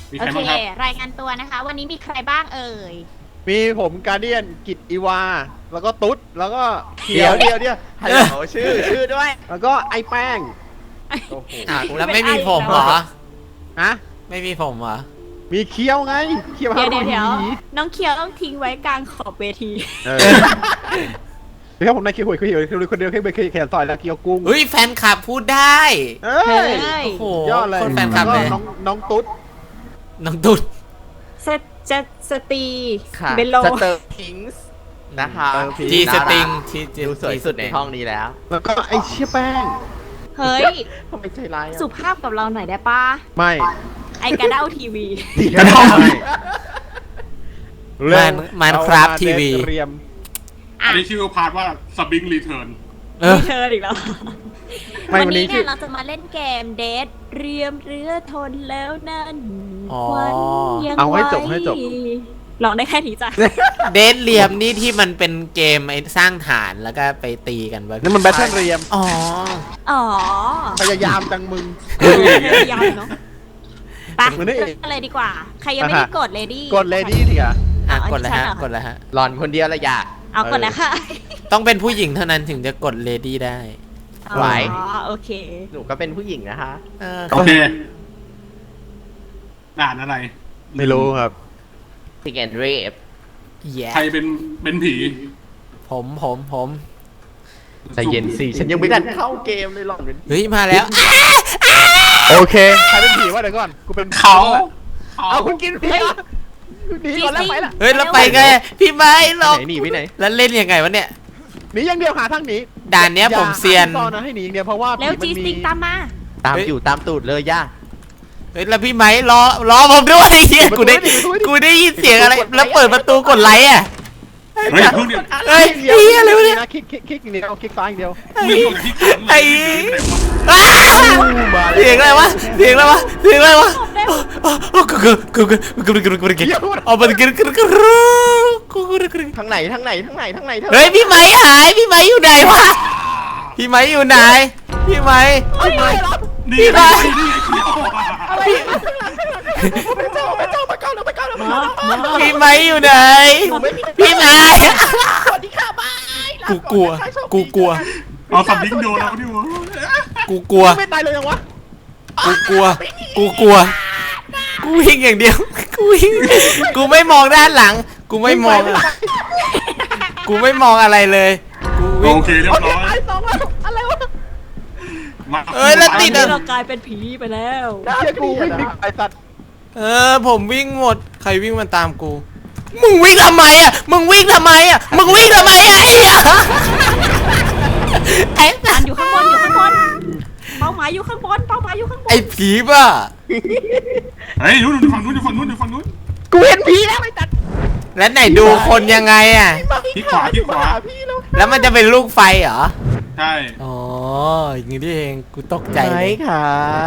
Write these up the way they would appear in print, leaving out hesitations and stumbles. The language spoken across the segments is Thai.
มีโอใครเคบ้างครับรายงานตัวนะคะ วันนี้มีใครบ้างเอ่ยมีผมการเดียนกิตอีวา แล้วก็ตุ๊ดแล้วก็เขีเดี๋ยยว วเดี๋ยวเดี๋ยวฮัลโหลชื่อด้วยแล้วก็ไอ้แป้งโอ้โหอ่ะแล้วไม่มีผมเหรอฮะไม่มีผมเหรอมีเคี้ยวไงเคี้ยวเดี๋ยวหาน้องเคียวต้องทิ้งไว้กลางขอบเวทีเออเดี๋ยวครับผมนายเคี้ยวหวยเคี้ยวคนเดียวแค่ไปแขนซอยแล้วเคี้ยวกุ้งเฮ้ยแฟนคลับพูดได้เอ้เฮ้ยยโอ้โหยอดเลยคนแฟนคลับแล้วเลยก็น้องตุ๊ดน้องตุ๊ดสจะสตรีค่ะเบลโลสเตอร์พิงส์นะคะจีสติงน่ารักที่ดูสวยสุดในห้องนี้แล้วแล้วก็ไอ้เชี่ยแป้งเฮ้ยทำไมใจร้ายสุภาพกับเราหน่อยได้ปะไม่ไอกระเด้าทีวีกระท่อมมันครับทีวีเรียมอันนี้ชื่อพาร์ทว่าสบิงรีเทิร์นเออเธออีกแล้วไม่วันวันนี้นี้ชื่เนี่อยเราจะมาเล่นเกมเดทเรียมเรือทนแล้วนั่นอ๋อควันยังเอาให้จบไว้ให้จบลองได้แค่นี้จ้ะเดทเรียมนี่ที่มันเป็นเกมไอ้สร้างฐานแล้วก็ไปตีกันวะนั่นมันแบทเทิลเรียมอ๋ออ๋อพยายามจังมึงยาวเนาะไปเหมือนได้เริ่มกันเลยดีกว่า ใครยังไม่ได้กดเลดี้กดเลดี้ดิอ่ะอ่ะอันนี้กดแล้วฮะฉันเหรอกดแล้วฮะหลอนคนเดียวละอย่าเอากดแล้วค่ะต้องเป็นผู้หญิงเท่านั้นถึงจะกดเลดี้ได้ไหวอ๋อโอเคหนูก็เป็นผู้หญิงนะคะโอเคด่านอะไรไม่รู้ครับซิงแอนเรฟแย่ใครเป็นผีผมใจเย็นสิฉันยังไม่ทันเข้าเกมเลยหลอนเป็นเฮ้ยมาแล้วโอเค ใครเป็นผีวะเดี๋ยวก่อน กูเป็นเขาเอาคุณกินผีอ่ะหนีก่อนแล้วไปละเฮ้ยแล้วไปไงพี่ไม้หรอกไหนหนีไปไหนแล้วเล่นยังไงวะเนี่ยหนีอย่างเดียวหาทางหนีด่านเนี้ยผมเซียนอาหาที่ซ่อนนะให้หนีอย่างเดียวเพราะว่าแล้วผีจีมันสมีติงตามมาตามอยู่ตามตูดเลยย่าเฮ้ยแล้วพี่ไม้รอผมด้วยเฮียกูได้ยินเสียงอะไร แล้วเปิดประตูกดไลค์อ่ะเฮ้ยเพิ่งเดียวเฮ้ยเดียวเฮียอะไรวะเนี่ยคลิกอย่างเดียวคลิกซ้ายอย่างเดียวมึงอยู่ที่ขังไอ้ อ้าเสียงอะไรวะเสียงอะไรวะเสียงอะไรวะเอาไปกินทางไหนทางไหนทางไหนทางไหนเธอเฮ้ยพี่ไม้หายพี่ไม้อยู่ไหนวะพี่ไม้อยู่ไหนพี่ไม้นี่ไงนี่ไงเจ้ามาก่อนเราไปก่อนเราไปก่อนพี่ไม้อยู่ไหนพี่ไม้สวัสดีค่ะบายกูกลัวเอาสับลิงโดนแล้วดิวะกูกลัวไม่ตายเลยยังวะกูวิ่งอย่างเดียวกูวิ่งกูไม่มองด้านหลัง กูไม่มองอะไรเลยกูวิ่งโอเคเรียบร้อยตายสองแล้วอะไรวะมาเอ้ยแล้วติดอะเรากลายเป็นผีไปแล้วเชี่ยกูวิ่งหนีไอ้สัตว์ผมวิ่งหมดใครวิ่งมันตามกูมึงวิ่งทำไมอ่ะมึงวิ่งทำไมอ่ะไอ้เหี้ยไอ้อันอยู่ข้างบนอยู่ข้างบน เป้าหมายอยู่ข้างบน เป้าหมายอยู่ข้างบนไอ้ผีป่ะเฮ้ยอยู่ฝั่งนู้นอยู่ฝั่งนู้นอยู่ฝั่งนู้นกูเห็นผีแล้วไอ้สัตว์แล้วไหนดูคนยังไงอ่ะที่ขวาที่ขวาพี่แล้วแล้วมันจะเป็นลูกไฟเหรอใช่อ๋ออย่างนี้นี่เองกูตกใจไหนเลยค่ะ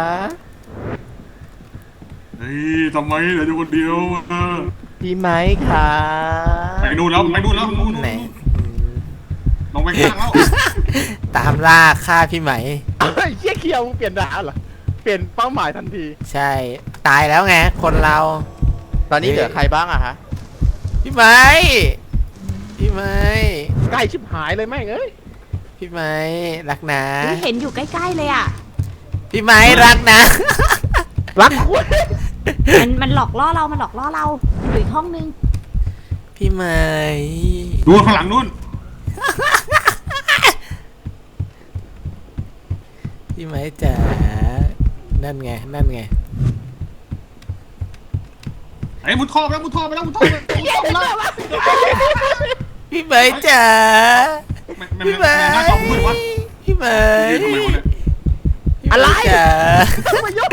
เฮ้ยทำไมเหลืออยู่คนเดียวพี่ไม้ค่ะไปนู่นแล้วนู่นไหนลงไปข้างแล้วตามล่าฆ่าพี่ไหมไอ้เชี่ยเคียวมึงเปลี่ยนด่าเหรอเปลี่ยนเป้าหมายทันทีใช่ ตายแล้วไงคนเราตอนนี้เหลือใครบ้างอะคะพี่ไหมพี่ไหมใกล้ชิบหายเลยแม่งเอ้ยพี่ไหมรักนะนี่เห็นอยู่ใกล้ๆเลยอ่ะพี่ไหมรักนะรักคุณมันหลอกล่อเรา มันหลอกล่อเราอยู่อีกห้องนึงพี่ไหมดูข้างหลังนู่นพี่ไหมจ๋านั่นไงไอ้มุดท่อไปแล้วมุดท่อไปแล้วมุดท่อไปแล้วพี่ไหมจ๋า พี่ไหมหน้าจอมืดวะพี่ไหมทำไมวะเนี่ยอะไรจ๋ามายก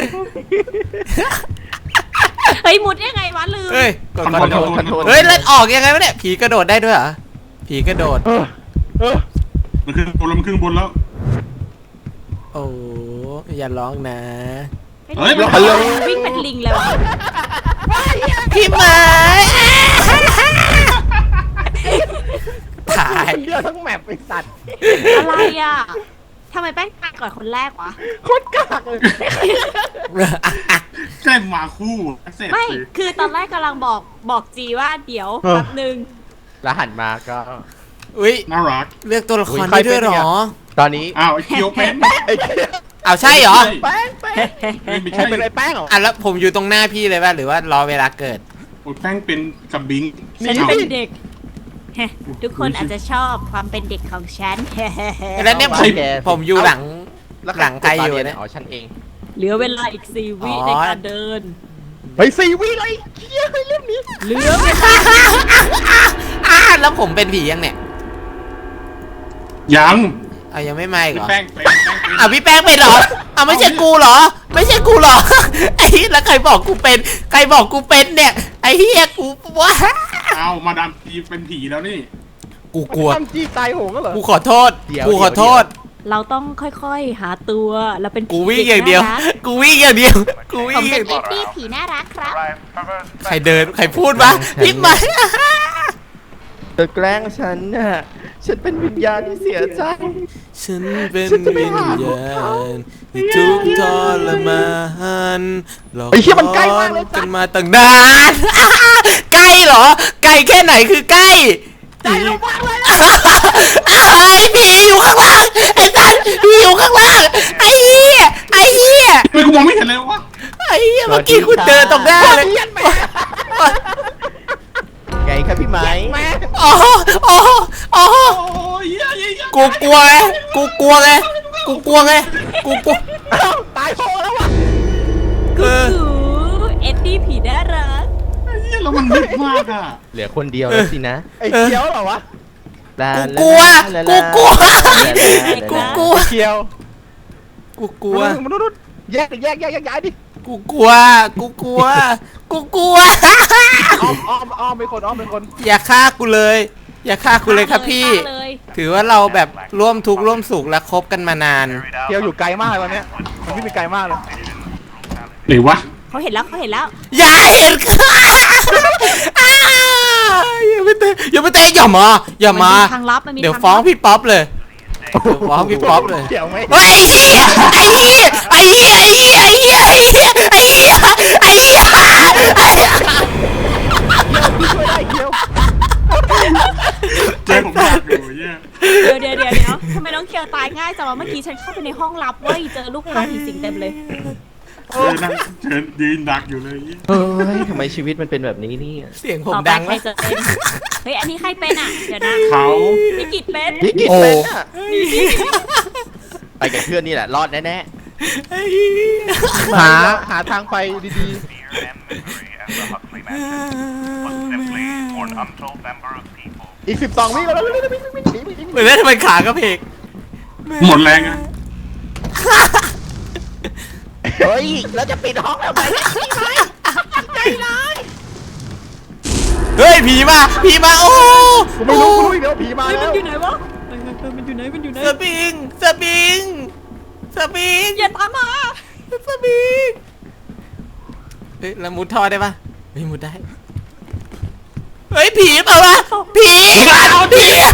เฮ้ย มุดยังไงวะลืมเฮ้ยกดคอนคอนโทโทรรลเฮ้ยแล้วออกยังไงวะเนี่ยผีกระโดดได้ด้วยเหรอผีกระโดดเออมันขึ้นบนแล้วมันขึ้นบนแล้วโอ้อย่าร้องนะเฮ้ยฮัลโหลวิ่งเป็นลิงเลยวะพี่ไหมถ่ายคนเดียวทั้งแมปไอ้สัตว์อะไรอ่ะทำไมแป้งตายก่อนคนแรกวะโคตรกากเลยแกล้งมาคู่เสร็จไม่สิคือตอนแรกกำลังบอกจีว่าเดี๋ยวแป๊บนึงแล้วหันมาก็อุ้ยน่ารักเลือกตัวละครได้ด้วยเหรอตอนนี้อ้าวไอ้เคียวเป็นไอ้เหี้ยเอาใช่เหรอแป้งไม่ใครใช่เป็นไอ้แป้งเหรออ่ะแล้วผมอยู่ตรงหน้าพี่เลยป่ะหรือว่ารอเวลาเกิดโอ้ยแป้งเป็นกับบิงฉันเป็นเด็กเฮ้ทุกคนอาจจะชอบความเป็นเด็กของฉันแล้วเนี่ยผมอยู่หลังใครอยู่เนี่ยอ๋อฉันเองเหลือเวลาอีก4 วิอ๋อในการเดินเฮ้ย4 วิเลยเหี้ยเรื่องนี้เหลือเวลาแล้วผมเป็นผียังเนี่ยยังเอายังไม่มาอีกเหรอแป้งเป็นอ่ะพี่แป้งเป็นเหรออ่ะไม่ใช่กูเหรอ ไม่ใช่กูเหรอ ไอ้เหี้ยแล้วใครบอกกูเป็น ใครบอกกูเป็นเนี่ย ไอ้เหี้ยกูว้าเอามาดามทีเป็นผีแล้วนี่กูกลัวตั้งจี้ตายโหงก็เหรอกูขอโทษ กูขอโทษเราต้องค่อยๆหาตัวเราเป็นผีกูวิ่งอย่างเดียว กูวิ่งอย่างเดียว กูวิ่ผงมอเป็ย่าน งเดีเอ็ยวดดี้ผีน่ารักครับใครเดิน ใครพูดวะพี่ไหมเธอแกล้งฉันน่ะฉันเป็นวิญญาณที่เสียใจฉันเป็นวิญญาณที่ทุกข์ทรมานเราไอ้เหี้ยมันใกล้มากเลยกันมาตั้งนาน ใกล้เหรอ ใกล้แค่ไหนคือใกล้ใกล้มากเลยไอ้ผีอยู่ข้างล่างไอ้สันผีอยู่ข้างล่างไอ้เหี้ยไอ้เหี้ยทำไมกูมองไม่เห็นเลยวะไอ้เหี้ยเมื่อกี้คุณเดินตรงหน้าเลยไงครับพี่ไม้อ๋ออ๋ออ๋อโอ้ยเหี้ยเหี้ยเหี้ยกูกลัวไงกูกลัวไงกูกลัวไงกูกลัวตายโหงแล้ววะเออเอ็ดดี้ผีน่ารักเหี้ยแล้วมันมืดมากอ่ะเหลือคนเดียวแล้วสินะไอ้เคียวเหรอวะกูกลัวกูกลัวกูกลัวเคียวกูกลัวมนุษย์แยกย้ายดิกูกลัวกูกลัวกูกลัวอ้อมเป็นคนอย่าฆ่ากูเลย อย่าฆ่ากูเลยครับพี่เลยถือว่าเราแบบร่วมทุกข์ร่วมสุขและคบกันมานานเคียวอยู่ไกลมากเลยวันเนี้ยมันวิ่งไปไกลมากเลยไหนวะเขาเห็นแล้วเขาเห็นแล้วอย่าเห็นอย่าไปเตะอย่าไปเตะอย่ามาอย่ามาทางลับมันมีเดี๋ยวทางฟ้องลับพี่ป๊อปเลยเดี๋ยวฟ้องพี่ป๊อปเลยเคียวไม่เฮ้ยไอ้เหี้ยไอ้เหี้ยไอ้เหี้ยไอ้เหี้ยไอ้เหี้ยไอ้เหี้ยไอ้เหี้ยไอ้เหี้ยช่วยได้เคียวเจอผมอยากอยู่เหี้ยเดี๋ยวทำไมน้องเคียวตายง่ายจังวะเมื่อกี้ฉันเข้าไปในห้องลับเว้ยเจอลูกค้าผีสิงเต็มเลยเชิญยืนดักอยู่เลยเหี้ยเฮ้ยทำไมชีวิตมันเป็นแบบนี้เนี่ยเสียงผมต่อไปดังใครแล้วจะเป็นเฮ้ยอันนี้ใครเป็นอ่ะเดี๋ยวนะเขาพี่กิจเป็นพี่กิตเป็นอ่ะไปกับเพื่อนนี่แหละรอดแน่ไอ้เหี้ยหาทางไปดี ๆอีก12 วิแล้วเหมือนเล่นทำไมขากระเพกหมดแรงอ่ะๆเฮ้ยแล้วจะปิดห้องแล้วไหมเฮ้ยผีมาโอ้กูไม่รู้อีกแล้วผีมาเฮ้ยแล้มันวอยู่ไหนวะมันอยู่ไหนมันอยู่ไหนสปริงอย่าตามมาสปริงเฮ้ยแล้วมุดท่อได้ปะไม่มุดได้เฮ้ยผีเปล่าวะผีผี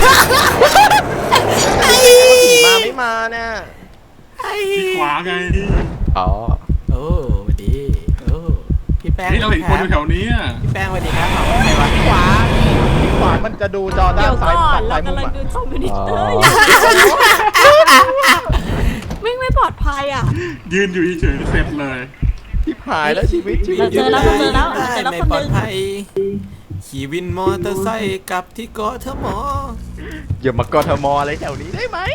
มาไม่มาเนี่ยที่ขวาไงอ๋อโอ้สวัสดีโอ้พี่แป้งนี่เราเห็นคนอยู่แถวนี้อ่ะพี่แป้งสวัสดีครับใครวะขวามันจะดูจอด้าเดี๋นยวซ้าก่ยอนเราฝั่งซ้ายมุกำลัมงอ่ะดูคอมพิวเตอร์อยู่ไม่ปลอดภัยอ่ะยืนอยู่เฉยๆเสร็จเลยที่หายแล้วชีวิตเราเจอแล้วไม่คนปลอนึดงภัยขี่วินมอเตอร์ไซค์กลับที่เกาะเทมออย่ามากทมอะไรแถวนี้ได้ไหม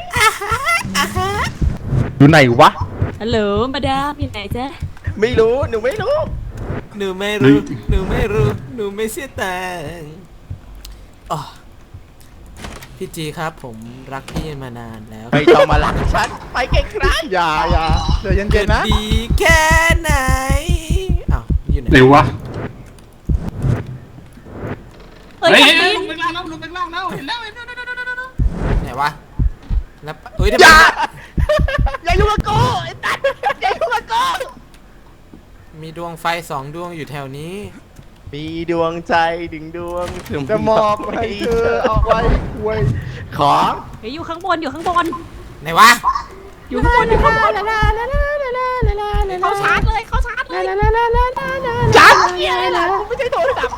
อยู่ไหนวะฮัลโหลมาดามอยู่ไหนจ๊ะไม่รู้หนูไม่รู้หนูไม่รู้หนูไม่เสียตังค์อ๋อพี่จีครับผมรักพี่มานานแล้วไม่ต้องมาลักฉันไปไกลอย่าเดี๋ยวเย็เกินดๆนะดีแค่ไหนอ้าวอยู่ไหนเร็ววะเฮ้ยเฮ้ยแคเฮ้ยทลงไปล่างแล้วลงไปล่างแล้วเห็นแล้วเห็นแล้วไหนวะแล้วเอ้ยทำไมอย่ายุ่งกับกูไอ้ตั๊ดอย่ายุ่งกับกูมีดวงไฟ2 ดวงอยู่แถวนี้ๆมีดวงใจดึงดวงถึงจะมอบให้เธอเอาไว้คุยขอเฮ้ยอยู่ข้างบนไหนวะอยู่ข้างบนเขาชาร์จเลยเขาชาร์จเลยจับเหี้ยอะไรล่ะไม่ใช่โทรศัพท์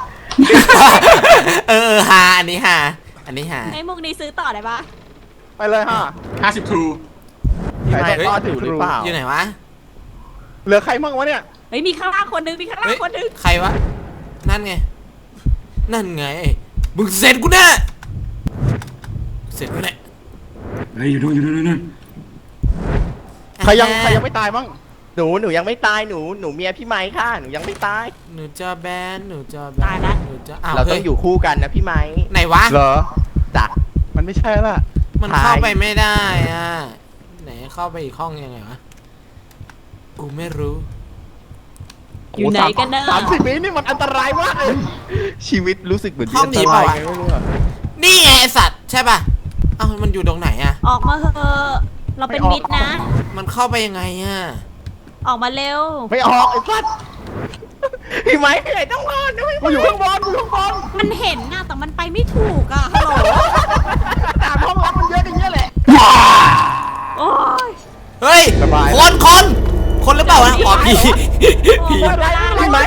หาอันนี้หาอันนี้หาไอ้มุกนี้ซื้อต่อได้ปะไปเลยฮะ 50 True พี่ไม้ทอดอยู่หรือเปล่าอยู่ไหนวะเหลือใครมั่งวะเนี่ยเฮ้ยมีข้างล่างคนนึงมีข้างล่างเฮ้ยคนนึงใครวะนั่นไงนั่นไงมึงเสร็จกูแน่เสร็จกูแน่เฮ้ยอยู่นู่นใครยังไม่ตายมั่งหนูยังไม่ตายหนูเมียพี่ไม้ค่ะหนูยังไม่ตายหนูจะแบนหนูจะแบนหนูจะอ้าวเราต้เฮ้อย งอยู่คู่กันนะพี่ไม้ไหนวะเหรอจ้ะมันไม่ใช่ละมันเข้าไปไม่ได้อ่ะไหนเข้าไปอีกห้องยังไงวะกูไม่รู้อยู่ไหนกันนะ 30 วินี่มันอันตรายมากเลยชีวิตรู้สึกเหมือนห้องผีเปล่าวะไม่รู้อะนี่ไงไอสัตว์ใช่ป่ะเอ้ามันอยู่ตรงไหนอ่ะออกมาเถอะเราเป็นมิตรนะมันเข้าไปยังไงอ่ะออกมาเร็วไม่ออกไอ้สัสพี่ไม้ไหนต้องรอดนะพี่กูอยู่ข้างบนกูอยู่ข้างบนมันเห็นนะแต่มันไปไม่ถูกอะฮัลโหลตามห้องรับมันเยอะอย่างเงี้ยแหละโอ้ยเฮ้ยสบายคนหรือเปล่าวะอ๋อผีผีพี่ไม้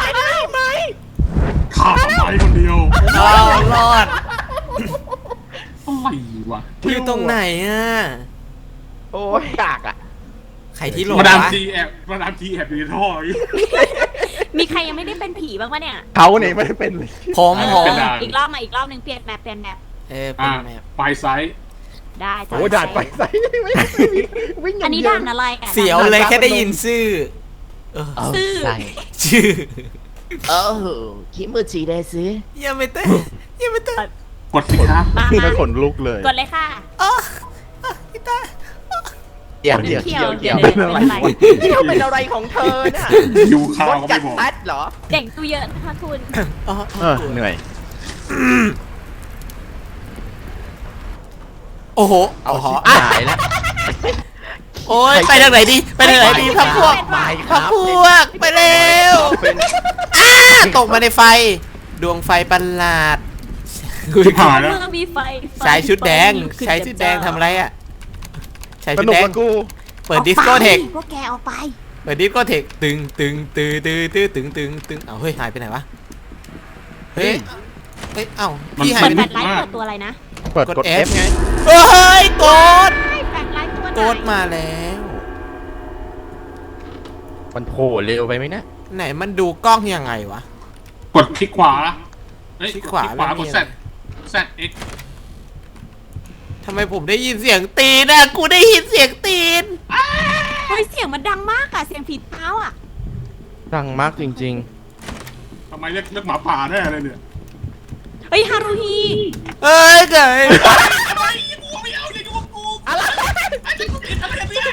ขาดไปคนเดียวเอารอดอะไรวะอยู่ตรงไหนอ่ะโอ้ยกากอ่ะใครที่โหลมาดามวะทีแอบอยู่ในท่ออยู่มีใครยังไม่ได้เป็นผีบ้างปะเนี่ยเขาเนี่ยไม่ได้เป็นเลยผมเป็นด่านอีกรอบมาอีกรอบหนึ่งเปลี่ยนแมปเปลี่ยนแมปเป็นแมปไฟไซส์ได้จ้ะโอ้ด่านไปใส่ไม่วิ่งออัย่าน งนี้เดียวด่านอะไรอะเสียวเลยแค่ได้ยินชื่อเออซื่อชื่อโอ้คิมูจิเดซึยังไม่เต้นยังไม่เต้นกดสิครับมาไม่ขนลุกเลยกดเลยค่ะพี่ตาเดี๋ยวเขียวเดี๋ยวเป็เป็น นอะไรอะไรที่เขาเป็นอะไรของเธอน่ะยูข้าวรถก็จัไม่ดบอกพัดเหรอเด็กดูเยอะนะคะคุณเหนื่อยโอ้โหเอาโอ้โหชิบอ่ะหายแล้วโอ้ยไปทางไหนดีไปทางไหนดีพักพวกไปคพัรักบพวกไปเร็วเป็นตกมาในไฟ ดวงไฟประหลาดชิบหายแล้วเมื่อมีไฟชายชุดแดงไฟลุกขึ้นชายชุดแดงทำอะไรอ่ะชายสชุดนุกแดงกับกูเปิดดิสโก้เทคพวกแกออกไปเปิดดิสโก้เทคตึงตึงตึงตึงตึงตึงตึงตึงเอาเฮ้ยหายไปไหนวะเฮ้ยเฮ้ยเอ้าพี่หายเปิดไปแฟลชไลท์เปิดตัวอะไรนะเปิดกด F ไงเฮ้ยโกดใช่แฟลชไลท์ตัวไหนโกดมาแล้วมันโผล่เร็วไปไหมนะไหนมันดูกล้องยังไงวะกดคลิกขวาเอ้ยคลิกขวาคลิกขวาแล้วมีกดอะไร ZX ทำไมผมได้ยินเสียงตีนอ่ะกูได้ยินเสียงตีนเฮ้ยเสียงมันดังมากอะเสียงผีเท้าอะดังมากจริงทำไมเรียกหมาป่าได้อะไรเนี่ยเฮ้ยฮารุฮีเอ้ยไงอะไรกูไม่เอาอย่ายุ่งกับกูอะไรไอ้เจ้ากูผิดอะไรเนี่ย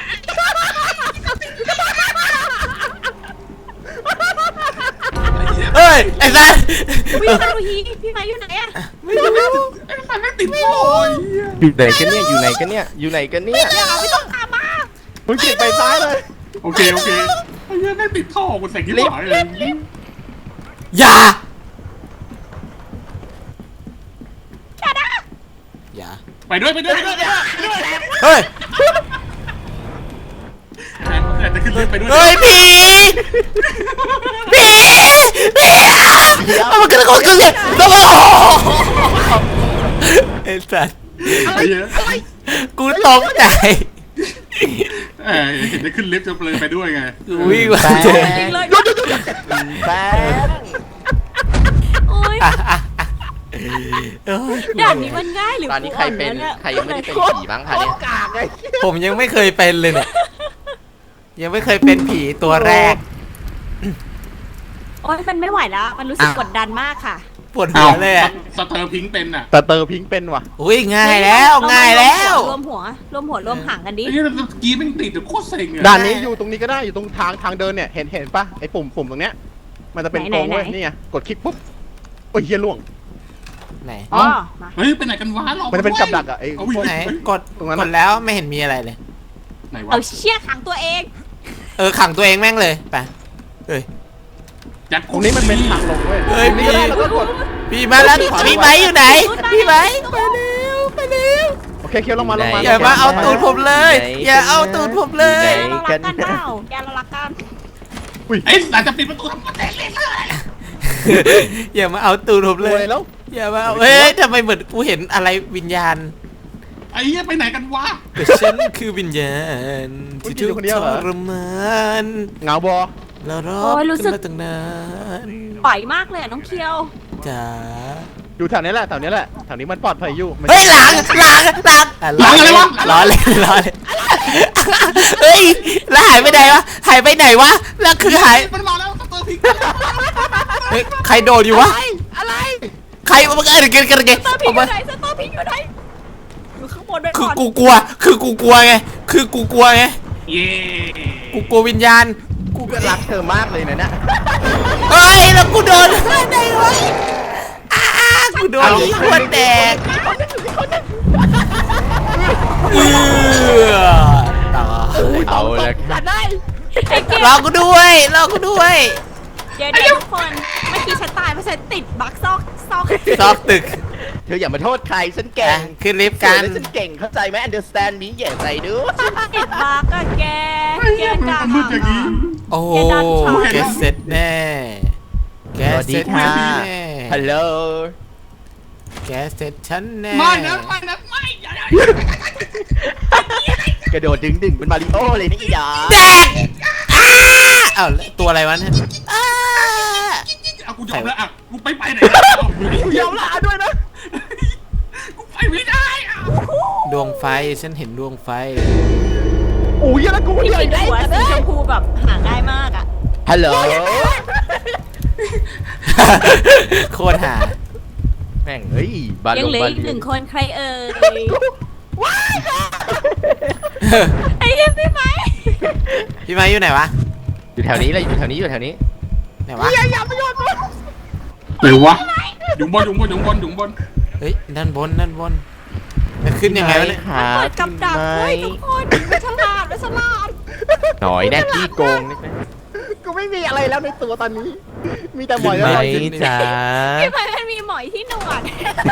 เอ้ยไอ้สัสวิฮารุฮีพี่ไม้อยู่ไหนอะไม่รู้ไอ้สัตว์แม่งติดโอยๆ อยู่ไหนกันเนี่ยอยู่ไหนกันเนี่ยอยู่ไหนกันเนี่ยเดี๋ยวไม่ต้องตามมามึงขี่ไปซ้ายเลยโอเคไอ้เหี้ยแม่งติดท่อกูใส่กิ๊บหายเลยอย่าอย่าไปด้วยเฮ้ยแต่จะขึ้นเรือไปด้วยเฮ้ยผีเอามันกระโดดขึ้นเลยแล้วก็ไอ้สัสไอ้เหี้ยกูตกใจเห็นได้ขึ้นลิฟต์จะเลยไปด้วยไงกูวิ่งมาเจอจริงเลยแป๊บโอ้ยเอ้ยด่านนี้มันง่ายหรือตอนนี้ใครเป็นกูอ่อใครยังไม่ได้เป็นผีบ้างคะเนี่ยกากไงผมยังไม่เคยเป็นเลยเนี่ยยังไม่เคยเป็นผีตัวแรกโอ้ยมันไม่ไหวแล้ว มันรู้สึกกดดันมากค่ะปวดหัวเลยอ่ะสเตอร์พิงค์เป็นอ่ะแต่เตอร์พิงค์เป็นว่ะอุ้ยง่ายแล้วง่ายแล้วรวมหัวรวมหางกันดิไอ้เหี้ยกี้แม่งติดโคตรเซ็งอ่ะด่านนี้อยู่ตรงนี้ก็ได้อยู่ตรงทางเดินเนี่ยเห็นปะไอ้ปุ่มตรงเนี้ยมันจะเป็นโค้งเว้ยนี่ไงกดคลิกปุ๊บโอ้ยเฮียล่วงไหนอ๋อมาเฮ้ยไปไหนกันวะหลอกมันจะเป็นกับดักอะไอ้เอาพวกไหนไหนกดตรงนั้นกอะดแล้วไม่เห็นมีอะไรเลยไหนวะเอาเชี่ยขังตัวเองขังตัวเองแม่งเลยไปเฮ้ยยัดตรงนี้มันเป็นทางลงเว้ยเฮ้ยตรงนี้ก็ได้แล้วก็กดพี่มาแล้วพี่ไม้อยู่ไหนพี่ไม้ไปเร็วไปเร็วโอเคเคเคียวลงมาลงมาอย่ามาเอาตูดผมเลย อย่าเอาตูดผมเลยแกเรารักกันเปล่าแกเรารักกันไอ้หลังจะปิดประตูทำมาแตกเลยเลยอย่ามาเอาตูดผมเลรวย ยแล้วอย่ามาเอาเฮ้ยทำไมเหมือนกูเห็นอะไรวิญญาณไอ้เหี้ยไปไหนกันวะแต่ฉันคือวิญญาณที่ทุกข์ทรมานเหงาบอแล้วรอบกันมาตั้งนานปล่อยมากเลยอะน้องเคียวจ๋าอยู่แถวนี้แหละแถวนี้แหละแถวนี้มันปลอดภัยอยู่มันเฮ้ยหลังล้อเล่นเฮ้ยแล้วหายไปไหนวะหายไปไหนวะแล้วคือหายมันมาแล้วสเตอร์พิกเฮ้ยใครโดนอยู่วะอะไรใครมันอะไรกันสเตอร์พิงอยู่ไหนสเตอร์พิงอยู่ไหนอยู่ข้างบนด้วยคือก่อนกูกลัวคือกูกลัวไงคือกูกลัวไงเย่กูกลัววิญญาณกูก็รักเธอมากเลยนะเฮ้ยแล้วกูโดนไหนวะกูโดนขวดแตกเอาละจัดได้ไอ้เกมรอกูด้วยรอกูด้วยเดี๋ยวทุกคนเมื่อกี้ฉันตายเพราะฉันติดบั๊กซอกซอกตึกเธออย่ามาโทษใครฉันเก่งขึ้นลิฟต์กันฉันเก่งเข้าใจไหม understand me อย่าใจดูติดบั๊กอะแกกลางมืดอย่างนี้โอ้โหแกเสร็จแน่แกสวัสเสดีร็จค่ะแน่ฮัลโหลแกเสร็จฉันแน่ไม่นะไม่นะไม่อย่ากระโดดดึงเป็นมาริโอเลยนี่อีดาแตกอ้าวแล้วตัวอะไรวะเนี่ยอ้าเอากูยอมแล้วอ่ะกูไปไหนกูยอมละด้วยนะกูไปไม่ได้อ่ะดวงไฟฉันเห็นดวงไฟโอ้ยแล้วกูพี่ใหญ่กินได้หัวสีชมพูแบบหาง่ายมากอะฮัลโหลโคตรหาแม่งเฮ้ยบายัลงงเหลือบาอีกลีหนึ่งคนใครเอ่ยไอ้เหี้ยพี่ไหมพี่ไม้อยู่ไหนวะอยู่แถวนี้เลยอยู่แถวนี้อยู่แถวนี้ไหนวะหรือวะอยู่บนอยู่บนอยู่บนอยู่บนเฮ้ยด้านบนด้านบนจะขึ้นยังไงวะเนี่ยหาเปิดกับดักเว้ยทุกคนไม่ฉลาดไม่ฉลาดหน่อยแน่ที่โกงนิดนึงกูไม่มีอะไรแล้วในตัวตอนนี้ มีแต่หมอยไหมแล้วจ๋าพี่ไหมมันมีหมอยที่หนวด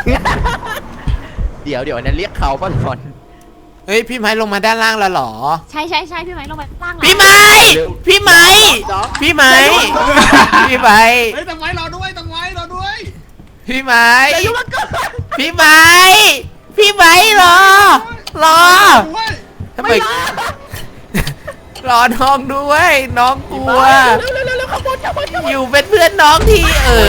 เดี๋ยวอันนั้นเรียกเขาป่ะหลอนเฮ้ยพี่ไม้ลงมาด้านล่างแล้วเหรอใช่พี่ไหมลงไปล่างพี่ไม้พี่ไม้พี่ไม้พี่ไม้เฮ้ยตังไว้รอด้วยตังไว้รอด้วยพี่ไม้พี่ไม้พี่ไม้รอด้วยทำไมรอน้องด้วยน้องกลัวอยู่เป็นเพื่อนน้องที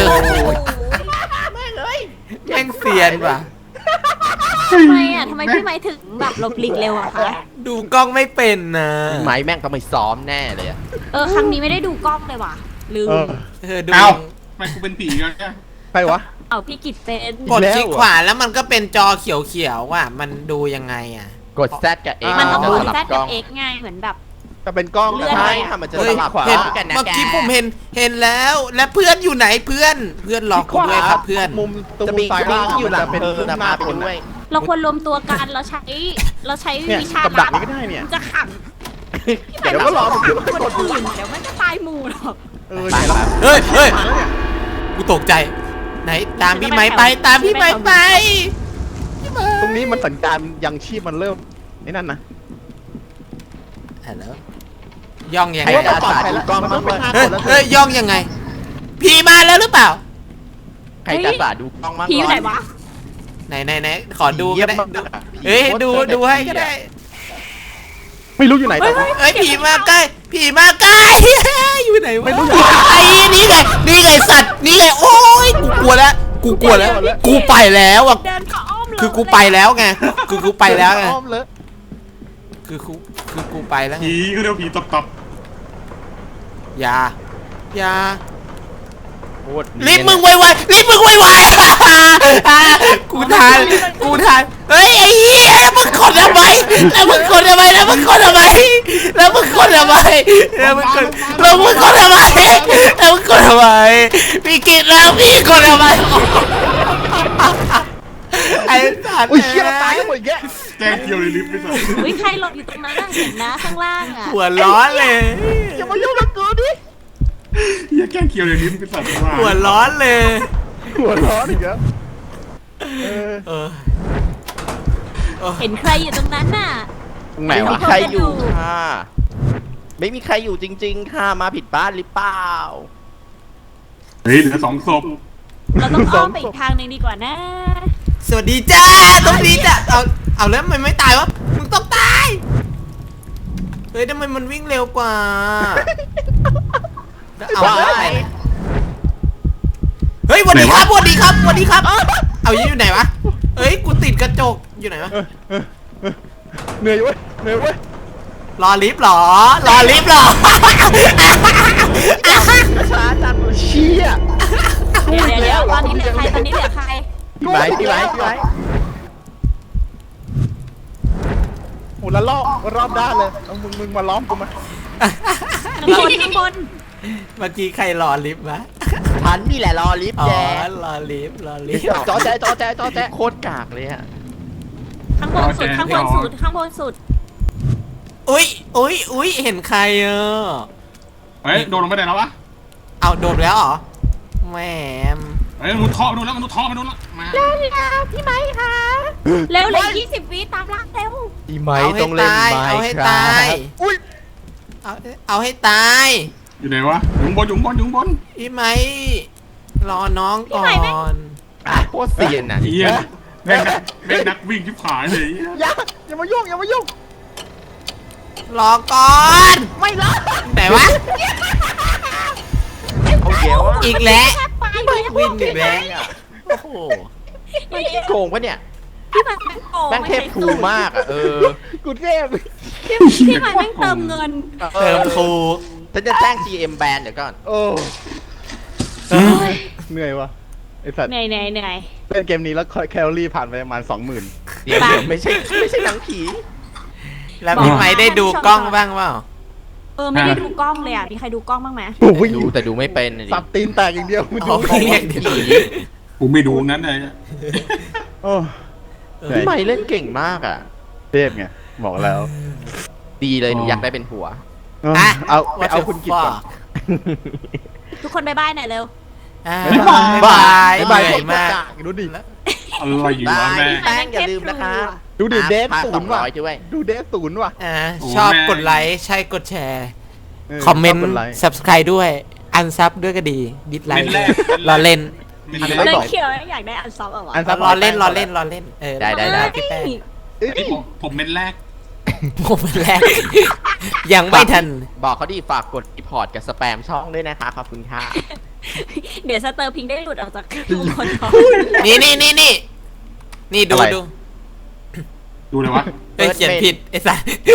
แม่งเสียนว่ะทำไมอ่ะทำไมพี่ไหมถึงแบบหลบหลีกเร็วอะคะดูกล้องไม่เป็นนะไม้แม่งต้องไปซ้อมแน่เลยอะครั้งนี้ไม่ได้ดูกล้องเลยว่ะลืมดูเอ้าทำไมกูเป็นผีกันเนี่ยใครวะเอาพี่กิจเป็นกดคลิกขวาแล้วมันก็เป็นจอเขียวๆว่ะมันดูยังไงอ่ะกด Z กับ X มันต้องจะกสดลับแซดกล้กัอบ งเอ็กไงเหมือนแบบจะเป็นกล้องเลื่อนใช่ไปค่ะมันจะเฮ้สยลับขวาเห็นกันนะเมื่อกี้แกผมเห็นแล้วและเพื่อนอยู่ไหนเพื่อนรอกูด้วยครับเพื่อนมุมตรงจะมุมีมซ้ายล่างอยู่หลังเป็นเธอรูปนะหน้าพาไปคนด้วยเราควรรวมตัวกันเราใช้เนี่ยวิชากับดักนี้ก็ได้เนี่ยจะขังเดี๋ยวก็รอผมขึ้นมาคนกดอื่นเดี๋ยวมันจะตายหมู่หรอกเนี่ยแล้วเฮ้ยกูตกใจไหนตามพี่ไม้ไปตามพี่ไม้ไปตรงนี้มันสัญญาณยังชีพมันเริ่มไอ้นั่นนะฮัลโหลย่องยังใครไงจะอาสาดูกล้องบ้างไหมเฮ้ยย่องยังไง พี่มาแล้วหรือเปล่าใครจะอาสาดูกล้องบ้างผีอยู่ไหนวะไหนขอดูก็ได้เฮ้ยดูให้ก็ได้ไม่รู้อยู่ไหนแต่เฮ้ยผีมาใกล้อยู่ไหนวะไอ้นี่ไงสัตว์นี่ไงโอ้ยกูกลัวแล้วกูไปแล้วอ่ะเดินเข้าอ้อมเลยคือกูไปแล้วไงคือกูไปแล้วไงอ้อมเลยคือกูไปแล้วไงผีก็เรียกผีตบอย่าโคตรรีบมึงไวกูทันเฮ้ยไอ้เหี้ยแล้วมึงกดทำไมพี่กินแล้วพี่กดทำไมไอ้สัตว์อุ้ยเชี่ยเราตายกันหมดอีกแยะๆแจ้งเกี่ยวในลิฟต์ไปสักอุ้ยใครหลบอยู่ตรงนั้นน่ะเห็นนะข้างล่างอ่ะหัวร้อนเลยอย่ามายุ่งกับกูดิอย่าแกล้งเกี่ยวในลิฟต์ไปสักว่าหัวร้อนเลยหัวร้อนอีกแล้วเออเห็นใครอยู่ตรงนั้นน่ะตรงไหนไม่มีวะใครอยู่ค่ะ ไม่มีใครอยู่จริง ๆ ค่ะ มาผิดบ้านหรือเปล่าเฮ้ยเหลือ2 ศพเราต้องอ้อมไปอีกทางหนึ่งดีกว่านะสวัสดีจ้าต้องดีจ้ะเอาแล้วมันไม่ตายวะมึงต้องตายเฮ้ยทำไมมันวิ่งเร็วกว่าเอาแล้วอะไรเนี่ยเฮ้ยสวัสดีครับสวัสดีครับสวัสดีครับเอาอยู่ไหนวะเฮ้ยกูติดกระจกอยู่ไหนวะเหนื่อยเว้ยเหนื่อยเว้ยรอลิฟต์เหรอรอลิฟต์เหรอช้าจังเลยเชี่ยเดี๋ยวตอนนี้เหลือใครตอนนี้เหลือใครพี่ไม้พี่ไม้พี่ไม้โอ้ละลอกรอบด้านเลยเอามึงมาล้อมกูมาข้างบนข้างบนเมื่อกี้ใครรอลิฟต์วะฉันนี่แหละรอลิฟต์อ๋อแย่รอลิฟต์รอลิฟต์จอแจ๊โคตรกากเลยอะข้างบนสุดข้างบนสุดข้างบนสุดอุ้ยเห็นใครเฮ้ยโดนลงไปไหนแล้ววะเอาโดดแล้วเหรอแหมเฮ้ยมนุษย์ท่อไปโดนแล้วมนุษย์ท่อไปโดนแล้วมาพี่ไม้ค่ะเร็วเลย20 วิตามล่าเร็วพี่ไม้ต้องเล่นไม้เอาให้ครัตายบอุ้ยเอาให้ตายอยู่ไหนวะอยู่ข้างบนอยู่ข้างบนอยู่ข้างบนพี่ไม้รอน้องก่อนโคตรเซียนอ่ะเฮียแม่งนักวิ่งชิบหายเลยอย่ามายุ่งอย่ามายุ่งรอก่อนไม่รอไหนวะเอาเดี๋ยวอะอีกแล้วไปเลยวิ่งอีกแล้วโอ้โหโกงปะเนี่ยพี่ไม้โกงแม่งเทพทูมากอ่ะกูเทพพี่ไม้แม่งเติมเงินเติมครูฉันจะแจ้ง GM แบนเดี๋ยวก่อนโอ้เหนื่อยวะไอสัตว์เหนื่อยเหนื่อยเหนื่อยเล่นเกมนี้แล้วแคลอรี่ผ่านไปประมาณ 20,000 เดี๋ยวไม่ใช่หนังผีแล้วพี่ไม้ได้ดูกล้องบ้างเปล่าไม่ได้ดูกล้องเลยอ่ะมีใครดูกล้องบ้างไหมโอ้ยดูแต่ดูไม่เป็นอะดิสับตีนแตกอย่างเดียวมึงอ๋ดูอไม่เรียกผีกูไม่ดูนั้นเลยโอ้พี่ไม้เล่นเก่งมากอ่ะเทพไงบอกแล้วดีเลยหนูอยากได้เป็นผัวเอาไปเอาคุณกิจก่อนทุกคนบายบายหน่อยเร็วบายบายเหนื่อยมากดูดิอะไรอยู่วะแม่แป้งอย่าลืมนะคะดูดิเดฟพาศูนย์ว่ะ 200ด้วยดูเดฟศูนย์ว่ะชอบกดไลค์ใช่กดแชร์ คอมเมนต์ subscribe ด้วย อันซับด้วยก็ดี ดิสไลค์รอเล่นไม่เนได้ยเขียวอยากได้อันซับอ่ะวะรอเล่นได้พี่แป้งผมเม็ดแรกผมเป็นแรก ยังไม่ทันบอกเขาดิฝากกดรีพอร์ตกับสแปมช่องด้วยนะคะ ขอบคุณค่ะเดี๋ยวสเตอร์พิงได้หลุดออกจากทุกคนนี่ดูอะไรดูดูเลยวะเฮ้ยเขียนผิดไอ้สัส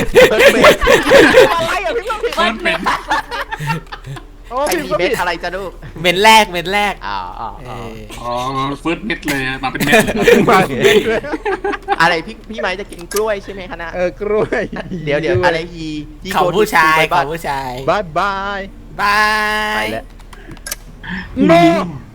อะไรอ่ะพี่ต้องผิดเฟิร์สเป็นโอ้ไอผิดพีก็เม็ผิดดอะไรจะลูกเม็นแรกอ๋ออ๋อเฟิร์สเม็ดเลยมาเป็นเม็ดเลยมาเม็ดเลยอะไรพี่ไม้จะกินกล้วยใช่ไหมคะนะกล้วยเดี๋ยวอะไรฮีเขาผู้ชายเขาผู้ชายบายบายบาไปยแล้วโน